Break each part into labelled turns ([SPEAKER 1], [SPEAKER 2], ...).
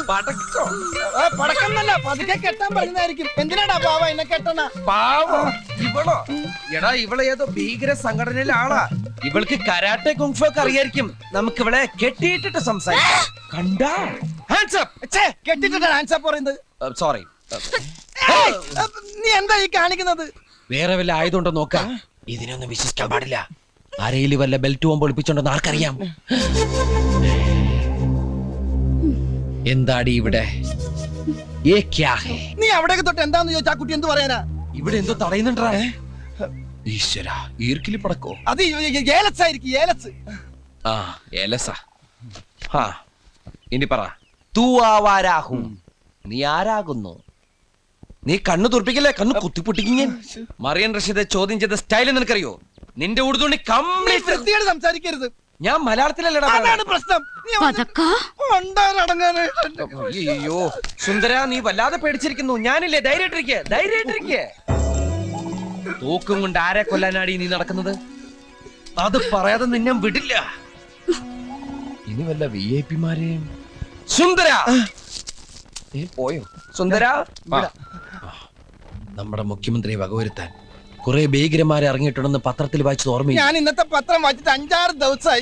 [SPEAKER 1] പടക്കോ?
[SPEAKER 2] പടക്കന്നല്ല, പതുക്കെ കെട്ടാൻ പറയുന്നതായിരിക്കും. എന്തിനാടാ പാവ എന്നെ കെട്ടണ?
[SPEAKER 1] പാവോ ഇവളോ? എടാ ഇവളെ ഏതോ ഭീകര സംഘടനയിലെ ആളാ. ഇവൾക്ക് കരാട്ടെ കുങ്ഫു ഒക്കെ അറിയായിരിക്കും. നമുക്ക് ഇവളെ കെട്ടിയിട്ടിട്ട് സംസാരിക്കാം. കണ്ടാ? Hands up.
[SPEAKER 2] ഛേ, കെട്ടിട്ടിട്ടാണ് ഹാൻഡ്സ് അപ്പ് പറയുന്നത്.
[SPEAKER 1] സോറി.
[SPEAKER 2] നീ എന്താ ഈ കാണിക്കുന്നത്?
[SPEAKER 1] വേറെ വല്ല ആയതുകൊണ്ടോ നോക്കാം. ഇതിനൊന്നും വിശ്വസിക്കാൻ പാടില്ല. അരയിൽ വല്ല ബെൽറ്റ് പോകുമ്പോൾ ഒളിപ്പിച്ചോണ്ടെന്ന് ആർക്കറിയാം? എന്താടി ഇവിടെ?
[SPEAKER 2] നീ അവിടേക്ക് തൊട്ട് എന്താന്ന് ചോദിച്ചാ കുട്ടി എന്ത് പറയാനാ?
[SPEAKER 1] ഇവിടെ എന്തോ തടയുന്നുണ്ടാ? ഈശ്വര, ഈർക്കിലി പടക്കോ?
[SPEAKER 2] അത് ഏലസ് ആയിരിക്കും, ഏലസ്.
[SPEAKER 1] ആ ഏലസ. ഹാ ഇനി പറ. തൂ ആവാരാഹും. നീ ആരാകുന്നു? നീ കണ്ണു തുറപ്പിക്കല്ലേ, കണ്ണു കുത്തിപ്പൊട്ടിക്കും ഞാൻ. മറിയൻ റഷീദെ ചോദ്യം ചെയ്ത സ്റ്റൈൽ നിനക്കറിയോ? നിന്റെ ഉടുതുണി കംപ്ലീറ്റ്
[SPEAKER 2] വൃത്തിയോട് സംസാരിക്കരുത്.
[SPEAKER 1] ഞാൻ മലയാളത്തിലല്ലടാ.
[SPEAKER 2] അതാണ് പ്രശ്നം.
[SPEAKER 1] അയ്യോ സുന്ദര, നീ വല്ലാതെ പേടിച്ചിരിക്കുന്നു. ഞാനില്ലേ, ധൈര്യമായിട്ടിരിക്കെ, ധൈര്യമായിട്ടിരിക്കെ. തൂക്കും കൊണ്ട് ആരെ കൊല്ലാനാടി നീ നടക്കുന്നത്? അത് പറയാതെ നിന്നെ വിടില്ല. ഇനി വല്ല VIP മാരെയും. സുന്ദര നീ പോയോ? സുന്ദര, നമ്മുടെ മുഖ്യമന്ത്രിയെ വകവരുത്താൻ കുറെ ഭീകരന്മാരെ ഇറങ്ങിയിട്ടുണ്ടെന്ന് പത്രത്തിൽ വായിച്ചത് ഓർമ്മയില്ല?
[SPEAKER 2] ഞാൻ ഇന്നത്തെ പത്രം വായിച്ചിട്ട് 5-6 ദിവസമായി.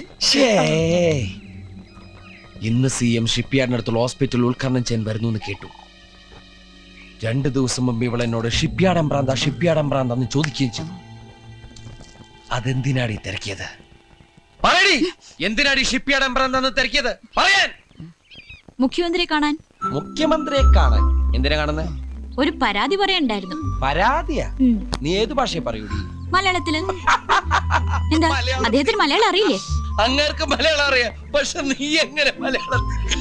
[SPEAKER 1] ഇന്ന് CM ഷിപ്പ്യാർഡിനടുത്തുള്ള ഹോസ്പിറ്റൽ ഉദ്ഘാടനം ചെയ്യാൻ വരുന്നു എന്ന് കേട്ടു. 2 ദിവസം മുമ്പ് ഇവൾ എന്നോട് ഷിപ്പ്യാർഡ് എംബ്രാന്താന്ന് ചോദിക്കുകയും ചെയ്തു. അതെന്തിനാടി തിരക്കിയത്? പറയടി, എന്തിനാടി ഷിപ്പ്യാർഡ് എംബ്രാന്താന്ന് തിരക്കിയത്? പറയാൻ.
[SPEAKER 3] മുഖ്യമന്ത്രിയെ കാണാൻ.
[SPEAKER 1] മുഖ്യമന്ത്രിയെ കാണാൻ? എന്തിനാ കാണുന്നത്?
[SPEAKER 3] ഒരു പരാതി പറയണ്ടായിരുന്നു.
[SPEAKER 1] പരാതിയാ? നീ ഏത് ഭാഷയെ പറയൂടി?
[SPEAKER 3] മലയാളത്തില്. എന്താ, അദ്ദേഹത്തിന് മലയാളം അറിയില്ലേ?
[SPEAKER 1] അങ്ങേർക്ക് മലയാളം അറിയാം, പക്ഷെ നീ എങ്ങനെ മലയാളം?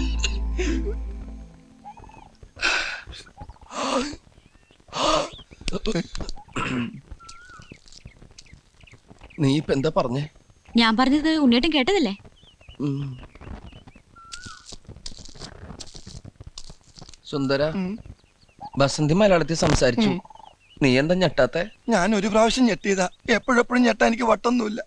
[SPEAKER 1] നീ ഇപ്പൊ എന്താ പറഞ്ഞേ?
[SPEAKER 3] ഞാൻ പറഞ്ഞത് ഉണ്ണിയേട്ടൻ കേട്ടതല്ലേ?
[SPEAKER 1] സുന്ദര, ബസന്തി മലയാളത്തിൽ സംസാരിച്ചു. നീ എന്താ ഞെട്ടാത്തെ?
[SPEAKER 2] ഞാൻ ഒരു പ്രാവശ്യം ഞെട്ടിയതാ. എപ്പോഴെപ്പോഴും ഞെട്ടാ എനിക്ക് വട്ടൊന്നുമില്ല.